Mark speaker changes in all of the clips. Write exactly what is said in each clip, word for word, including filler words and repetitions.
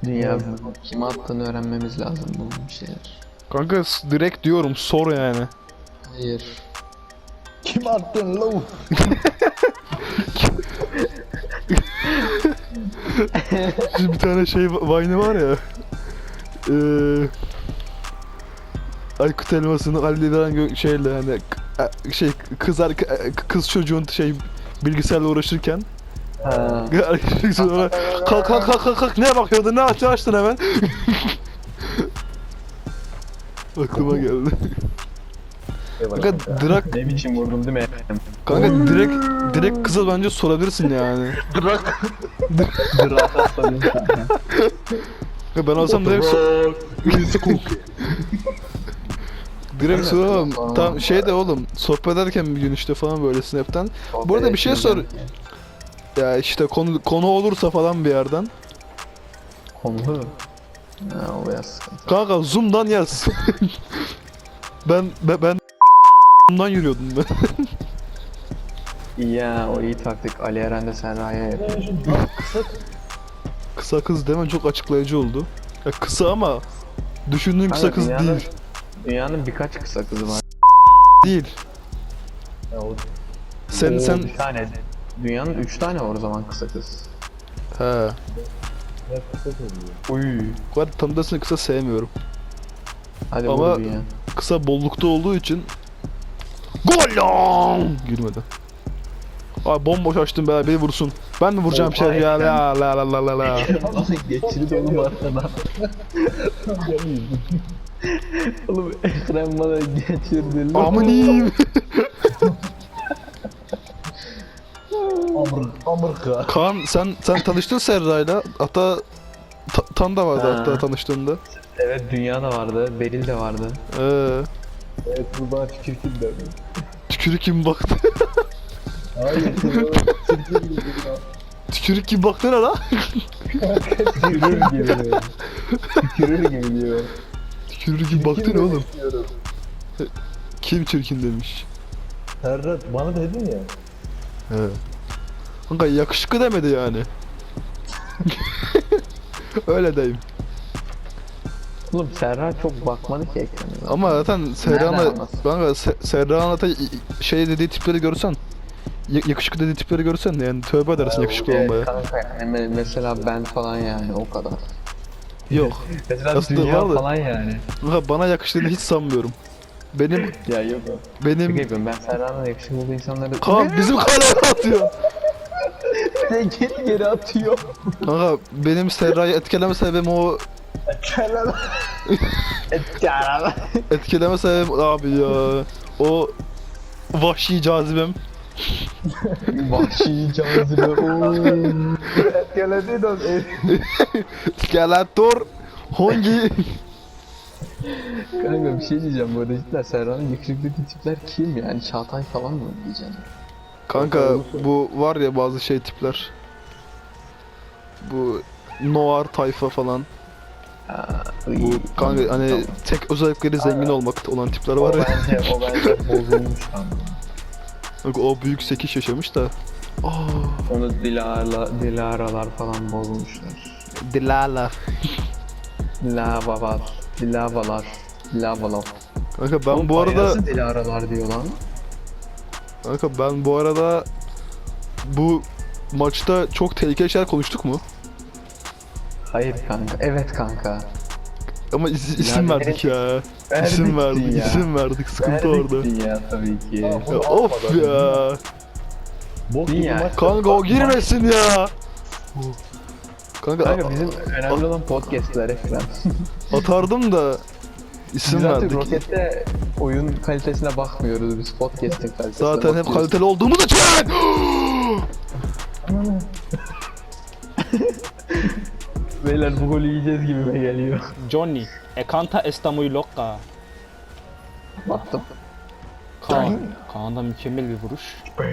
Speaker 1: Dünya kime attığını öğrenmemiz lazım bu bir şeyler.
Speaker 2: Kanka s- direkt diyorum sor yani.
Speaker 1: Hayır.
Speaker 3: Kim attın lan?
Speaker 2: Şimdi bir tane şey Vine'ı var ya. Eee Aykut Elmas'ın Ali Lideran gö- şeyle hani k- e, şey kız arka- e, kız çocuğun şey bilgisayarla uğraşırken
Speaker 1: Ha.
Speaker 2: sonra kalk kalk kalk kalk kalk neye bakıyordun ne açtın açtın hemen. Aklıma geldi. Kanka direkt
Speaker 3: Ne biçim vurdum değil mi?
Speaker 2: kanka direkt direkt kıza bence sorabilirsin yani.
Speaker 3: Drak atladım.
Speaker 2: Ya ben olsam direkt so- direkt soramam. Tam şey de oğlum sohbet ederken bir gün işte falan böyle Snap'ten. Bu arada bir şey sor. Ya işte konu konu olursa falan bir yerden.
Speaker 1: Konu. Ha, o biraz sıkıntı.
Speaker 2: Kanka Zoom'dan yaz. ben ben, ben Zoom'dan yürüyordum ben.
Speaker 1: İyi ya, o iyi taktik. Ali Eren de Serra'ya yapıyor.
Speaker 2: Kısa kız demen çok açıklayıcı oldu. Ya kısa ama düşündüğün kısa
Speaker 1: Kanka,
Speaker 2: kız
Speaker 1: dünyanın-
Speaker 2: değil.
Speaker 1: Dünyanın birkaç kısa kızı var.
Speaker 2: Değil. Sen
Speaker 1: Oo,
Speaker 2: sen
Speaker 1: bir tane. Dünyanın üç tane var o zaman kısa kız.
Speaker 2: he.
Speaker 1: Uy.
Speaker 2: Bu arada tanıdığını kısa sevmiyorum.
Speaker 1: Hadi
Speaker 2: Ama-
Speaker 1: vur dünya.
Speaker 2: Kısa bollukta olduğu için gol lan! Girmedi. Abi bomboş açtım be beni vursun. Ben mi vuracağım
Speaker 1: Oha,
Speaker 2: şey ya
Speaker 1: ekran.
Speaker 2: la la la la la la.
Speaker 1: Geçirdi oğlum arkadan. Oğlum ekran bana geçirdi.
Speaker 2: Aminim.
Speaker 3: Amr, Amırka.
Speaker 2: Kaan sen sen tanıştın Serra'yla. Hatta ta, Tan da vardı
Speaker 1: Ha.
Speaker 2: hatta tanıştığında.
Speaker 1: Evet, dünya da vardı, Beril de vardı.
Speaker 2: Ee,
Speaker 3: Evet bu bana tükürtün de.
Speaker 2: tükürük kim baktı?
Speaker 3: Hayır tükürtün gibi.
Speaker 2: Tükürük kim baktı ne la?
Speaker 3: Tükürür gibi. Tükürür gibi diyor.
Speaker 2: Tükürük kim baktı ne oğlum? Kim çirkin demiş.
Speaker 3: Serhat bana dedin ya.
Speaker 2: He. Kanka yakışıklı demedi yani. Öyle deyim.
Speaker 1: Oğlum Serra çok bakmadı ki ekrana.
Speaker 2: Ama zaten Serra'na
Speaker 1: Nereden anlasın?
Speaker 2: kanka Se- Serra'nın zaten şey dediği tipleri görsen ya- yakışıklı dediği tipleri görsen yani tövbe edersin yakışıklı
Speaker 1: Evet
Speaker 2: olmaya.
Speaker 1: kanka, yani me- mesela ben falan yani o kadar.
Speaker 2: Yok.
Speaker 1: Mesela
Speaker 2: Aslında
Speaker 1: dünya
Speaker 2: vardı.
Speaker 1: falan yani.
Speaker 2: Kanka bana yakıştığını hiç sanmıyorum. Benim
Speaker 1: Ya yok.
Speaker 2: benim
Speaker 1: Şaka yapıyorum, ben Serra'nın yakışıklı olduğu insanları...
Speaker 2: Kaan bizim kaleye atıyor.
Speaker 1: geri geri atıyor.
Speaker 2: Kanka benim Serra'yı etkileme sebebim o
Speaker 3: Kerem.
Speaker 1: Serra.
Speaker 2: etkileme sebebim abi ya. O vahşi cazibem.
Speaker 1: Vahşi cazibe. ooo.
Speaker 3: Geledin o.
Speaker 2: Skeletor hangi
Speaker 1: Kanka bir şey diyeceğim, bu arada cidden Serra'nın yakışıklı tipler kim yani? Çağatay falan mı diyeceğim?
Speaker 2: Kanka bu var ya bazı şey tipler. Bu noir tayfa falan. Bu kanka hani
Speaker 1: Tamam.
Speaker 2: tek özellikleri zengin olmak olan tipler
Speaker 1: O
Speaker 2: var ya.
Speaker 1: bence, o bence bozulmuş kanka.
Speaker 2: Kanka o büyük sekiş yaşamış da. Aa,
Speaker 1: Onu Dilara, Dilaralar falan bozmuşlar.
Speaker 2: Dilala.
Speaker 1: Lavalar, Dilavalar, Lavalar.
Speaker 2: Kanka ben
Speaker 1: Oğlum,
Speaker 2: bu arada
Speaker 1: nasıl Dilaralar diyor lan?
Speaker 2: kanka ben bu arada bu maçta çok tehlikeli şeyler konuştuk mu?
Speaker 1: Hayır kanka, evet kanka.
Speaker 2: Ama is- isim
Speaker 1: Yani
Speaker 2: verdik ya.
Speaker 1: verdik
Speaker 2: İsim verdik,
Speaker 1: ya.
Speaker 2: isim verdik. Sıkıntı orada.
Speaker 1: Verdik ya tabii ki.
Speaker 2: Ya of ya.
Speaker 3: Bok
Speaker 1: Değil
Speaker 3: gibi
Speaker 1: yani.
Speaker 3: maç.
Speaker 2: Kanka o girmesin ya. Kanka,
Speaker 1: Kanka bizim önemli olan podcastler ekran.
Speaker 2: atardım da isim
Speaker 1: Biz artık
Speaker 2: verdik.
Speaker 1: Rocket'te oyun kalitesine bakmıyoruz, biz podcast'in kalitesine
Speaker 2: Zaten hep
Speaker 1: bakıyoruz.
Speaker 2: kaliteli olduğumuz için.
Speaker 1: Beyler bu golü yiyeceğiz gibime geliyor.
Speaker 4: Johnny, e canta esta muy loca.
Speaker 1: Baktım.
Speaker 4: Kaan, Kaan'da mükemmel bir vuruş.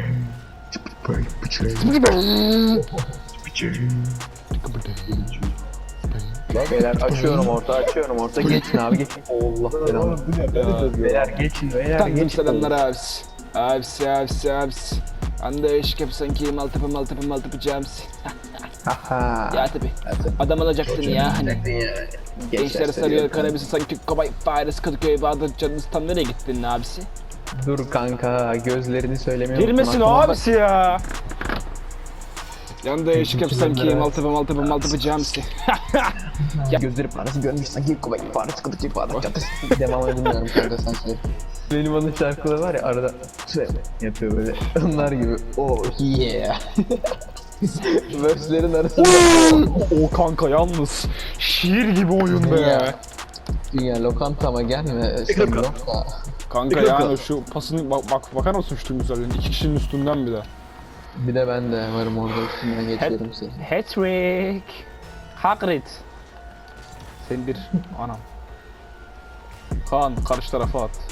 Speaker 1: Beyler açıyorum orta, açıyorum orta. Geçin abi, geçin. Allah belanı.
Speaker 3: Oğlum bu ne? Beni de diyor.
Speaker 1: Beyler geçin, beyler
Speaker 4: Tanrım
Speaker 1: geçin.
Speaker 4: selamlar abisi. Abisi, abisi, abisi. Anda eşlik yapsan ki maltıpı maltıpı maltıpı camsi.
Speaker 1: Haha.
Speaker 4: Ya tabi. Adam alacaktın ya hani. Gençler sarıyor kanabisi sanki Kobay Paris Kadıköy Bağdat Caddesi tam nereye gittin abisi?
Speaker 1: Dur kanka gözlerini söylemeye
Speaker 4: Girmesin o
Speaker 1: unutma.
Speaker 4: abisi ya. Yanında eşlik yap sanki Maltepe Maltepe Maltepe camisi.
Speaker 1: Gözleri parası görmüş sanki Kobay Paris Kadıköy Bağdat Caddesi. Devam edemiyorum kanka sen söyle. Benim onun şarkıları var ya arada şey yapıyor böyle. Onlar gibi. Oh yeah. Verslerin arasında.
Speaker 4: O kanka yalnız şiir gibi oyun be.
Speaker 1: Ya. Dünya lokantama gelme. Sen lokma.
Speaker 4: Kanka yani şu pasını bak, bak bakar mısın şu güzelliğine? İki kişinin üstünden bir de.
Speaker 1: Bir de ben de varım orada üstünden geçiyorum seni.
Speaker 4: Hat-trick. Hagrid. Sen bir anam. Kaan karşı tarafa at.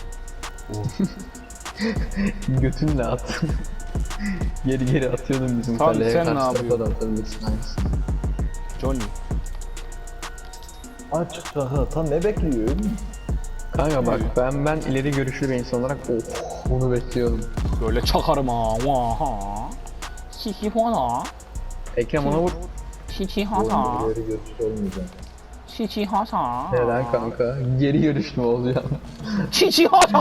Speaker 1: Götünle at. Geri geri atıyordum bizim
Speaker 4: Tamam,
Speaker 1: kaleye.
Speaker 4: sen
Speaker 1: Karşı
Speaker 4: ne
Speaker 1: tarafa
Speaker 4: yapıyorsun?
Speaker 1: da atabilirsin aynısını.
Speaker 4: Johnny.
Speaker 3: Açık saha tam ne bekliyorsun?
Speaker 1: Kanka bak ben ben ileri görüşlü bir insan olarak oh onu bekliyordum.
Speaker 4: Böyle çakarım ha. Vaha. Hihi hana.
Speaker 1: Ekrem ona vur.
Speaker 4: Hihi hana.
Speaker 3: İleri görüşü olmayacak.
Speaker 4: Hihi hana.
Speaker 1: Neden kanka? Geri görüşlü olacağım.
Speaker 4: Hihi hana.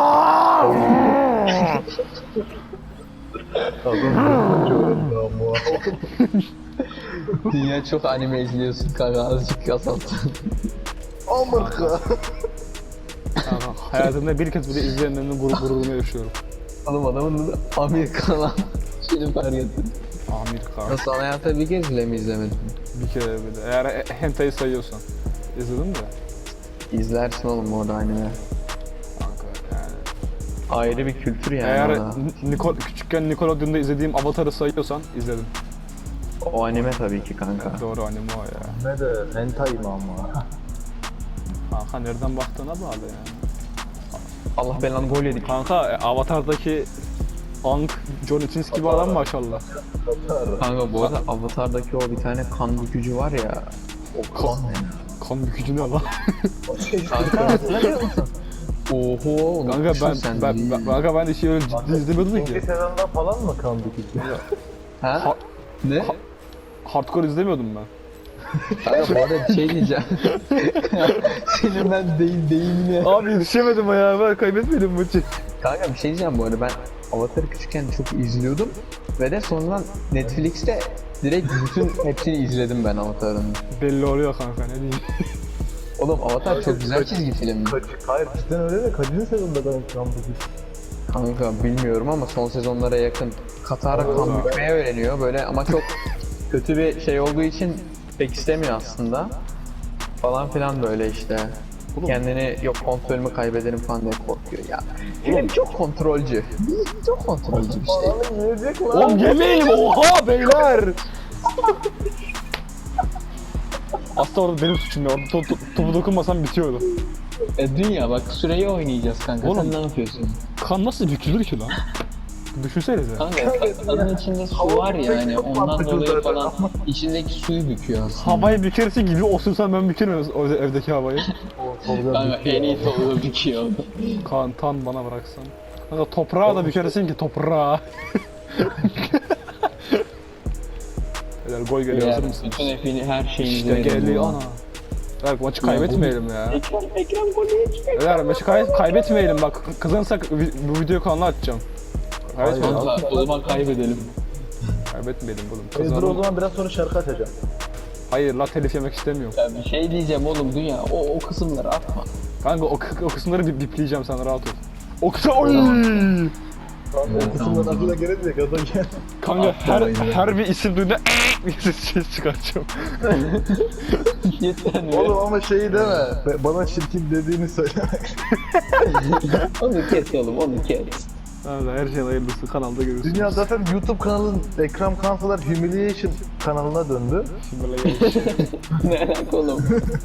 Speaker 3: Adam görünce öğrendi ama.
Speaker 1: Dünya çok anime izliyorsun kanka azıcık azalt.
Speaker 3: Amerika.
Speaker 4: Hayatımda bir kez bile izleyenlerin gurur, gururunu yaşıyorum.
Speaker 1: Oğlum adamın da Amerika lan. Şimdi fark ettim.
Speaker 4: Amerika.
Speaker 1: Nasıl hayata bir kez bile mi izlemedin?
Speaker 4: Bir kere bile. Eğer e- hentai sayıyorsan. İzledin mi?
Speaker 1: İzlersin oğlum orada anime.
Speaker 4: Kanka yani.
Speaker 1: Ayrı bir kültür yani
Speaker 4: Eğer
Speaker 1: orada.
Speaker 4: N- Nicol küçükken Nickelodeon'da izlediğim Avatar'ı sayıyorsan izledim.
Speaker 1: O anime tabii ki kanka.
Speaker 4: Doğru anime o ya.
Speaker 3: Ne de hentai mi ama?
Speaker 4: Kanka nereden baktığına bağlı yani.
Speaker 1: Allah belanı gol yedik.
Speaker 4: Kanka e, Avatar'daki Aang, John Itins gibi adam maşallah.
Speaker 1: Kanka bu arada Avatar'daki o bir tane kan bükücü var ya. O kan ne?
Speaker 4: Kan bükücü ne lan?
Speaker 1: Kanka hatırlamıyor musun? Oho onu
Speaker 4: Kanka ben,
Speaker 1: sen
Speaker 4: ben, ben, kanka ben işi öyle ciddi izlemiyordum
Speaker 3: İkinci
Speaker 4: ki.
Speaker 3: sezonda falan mı kaldı ki?
Speaker 1: Ha?
Speaker 4: Ha-
Speaker 1: Ne?
Speaker 4: ha- Hardcore izlemiyordum ben.
Speaker 1: Kanka bu arada bir şey diyeceğim. Senin ben deyim deyimine.
Speaker 4: Abi yetişemedim ya, ben kaybetmedim maçı.
Speaker 1: Kanka bir şey diyeceğim bu arada ben Avatar'ı küçükken çok izliyordum. Ve de sonradan Netflix'te direkt bütün hepsini izledim ben Avatar'ın.
Speaker 4: Belli oluyor kanka, ne diyeyim.
Speaker 1: Oğlum Avatar çok güzel çizgi film.
Speaker 3: Kaç, hayır cidden öyle de kaçıncı sezonda ben kaldı ki?
Speaker 1: Kanka bilmiyorum ama son sezonlara yakın Katara kan bükmeyi öğreniyor böyle ama çok kötü bir şey olduğu için pek istemiyor aslında. Falan filan böyle işte.
Speaker 4: Oğlum.
Speaker 1: Kendini yok kontrolümü kaybederim falan diye korkuyor ya. Film çok kontrolcü. Çok kontrolcü bir şey.
Speaker 3: Falan yiyecek lan.
Speaker 4: Oğlum yemeyelim, oha beyler! Aslında orada benim suçum ya, orada to- to- topu dokunmasam bitiyordu.
Speaker 1: E dünya bak süreyi oynayacağız kanka.
Speaker 4: Oğlum.
Speaker 1: Sen ne yapıyorsun?
Speaker 4: Kan nasıl bükülür ki lan? Düşünsenize.
Speaker 1: Kanka kanın içinde su var ya hani ondan dolayı falan içindeki suyu büküyor aslında.
Speaker 4: Havayı bükersin gibi osursan ben bükerim o evdeki havayı.
Speaker 1: Kanka en iyi tavuğu büküyor.
Speaker 4: Kan tan bana bıraksan. Kanka toprağı da bükersin ki toprağı. Beyler gol geliyor, hazır mısınız?
Speaker 1: Bütün hepini her şeyini
Speaker 4: İşte geliyor ana. Beyler maçı kaybetmeyelim ya.
Speaker 1: Ekrem, Ekrem golü çıkıyor.
Speaker 4: Beyler maçı kay kaybetmeyelim bak, kazanırsak vi- bu videoyu kanala atacağım. Kaybetmeyelim.
Speaker 1: Kanka o zaman kaybedelim.
Speaker 4: Kaybetmeyelim oğlum.
Speaker 3: Dur o
Speaker 4: Kazanalım.
Speaker 3: zaman biraz sonra şarkı açacağım.
Speaker 4: Hayır la, telif yemek istemiyorum.
Speaker 1: Ya bir şey diyeceğim oğlum dünya o, o kısımları atma.
Speaker 4: Kanka o, o kısımları bir bipleyeceğim, sen rahat ol. O kısa oy.
Speaker 3: O kısımdan aklına gelecek adam gel.
Speaker 4: Kanka her
Speaker 1: Atlamayın.
Speaker 4: her bir isim duyduğunda bir ses çıkartacağım.
Speaker 1: Yeter mi?
Speaker 3: Oğlum ama şeyi deme. Be- Bana çirkin dediğini söyle.
Speaker 1: Onu kes oğlum onu kes.
Speaker 4: Kanka her şeyin hayırlısı kanalda görürsünüz.
Speaker 3: Dünya zaten YouTube kanalın Ekrem Kansalar Humiliation kanalına döndü.
Speaker 4: Şimdi böyle gelmiş.
Speaker 1: Ne alaka oğlum?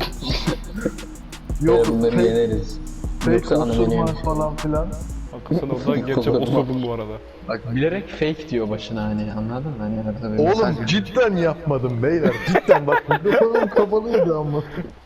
Speaker 3: Yok
Speaker 1: Bunları
Speaker 3: fake,
Speaker 1: yeneriz.
Speaker 3: fake
Speaker 1: Yoksa anı
Speaker 3: osurma
Speaker 1: benim.
Speaker 3: falan filan.
Speaker 4: Haklısın, orada gerçek oturdum bu arada.
Speaker 1: Bak bilerek fake diyor başına hani anladın mı? Hani arada böyle
Speaker 3: Oğlum
Speaker 1: mesaj-
Speaker 3: cidden yapmadım beyler. Cidden bak mikrofonum kapalıydı ama.